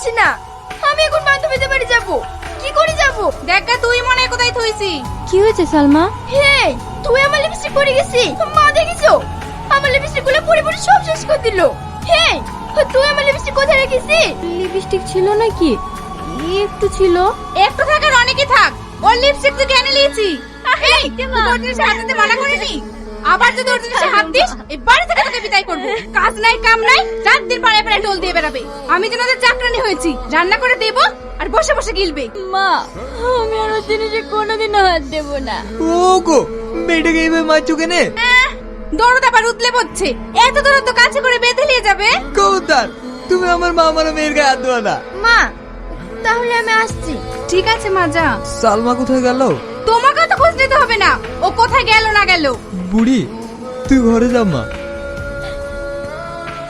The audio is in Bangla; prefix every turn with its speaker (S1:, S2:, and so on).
S1: পারছি না। আমি এখন বান্ধবীদের বাড়ি যাব। কি করে যাব?
S2: দেখা তুই মনে হয় কোথায় থইছি।
S3: কি হয়েছে সালমা?
S1: হে, তুই আমার লিপস্টিক পরে গেছি। মা দেখেছো? আমার লিপস্টিক গুলো পরে পরে সব শেষ করে দিল। হে, তুই আমার লিপস্টিক কোথায় রেখেছিস?
S3: লিপস্টিক ছিল নাকি? একটু ছিল।
S2: একটু থাকার অনেকই থাক। ওর লিপস্টিক তুই কেন নিয়েছি? এই, তুই ওর জিনিসে হাত দিতে মানা করিনি? আবার যদি ওর জিনিসে হাত দিস, এই বাড়ি থেকে তোকে বিদায় করবো। কাজ নাই কাম নাই, রাত দিন পাড়ায় পাড়ায় টোল দিয়ে বেড়াবে। আমি যেন ওদের চাকরানি হয়েছি, রান্না করে দেবো আর বসে বসে গিলবে।
S3: মা, আমি আর ওর জিনিসে কোনোদিনও হাত দেব না।
S4: ওগো, মেয়েটাকে এইভাবে মারছো কেনে?
S2: দরদ আবার উতলে পড়ছে। এত দূর তো কাছে করে বেঁধে নিয়ে যাবে।
S4: কৌতার, তুমি আমার মা আমার মেয়ের গায়ে হাত দেওয়া না।
S1: মা, তাহলে আমি আসছি।
S2: ঠিক আছে মা, যা।
S4: সালমা কোথায় গেল?
S2: তোমাকে তো খোঁজ নিতে হবে না, ও কোথায় গেল না গেল।
S4: বুড়ি, তুই ঘরে যা মা।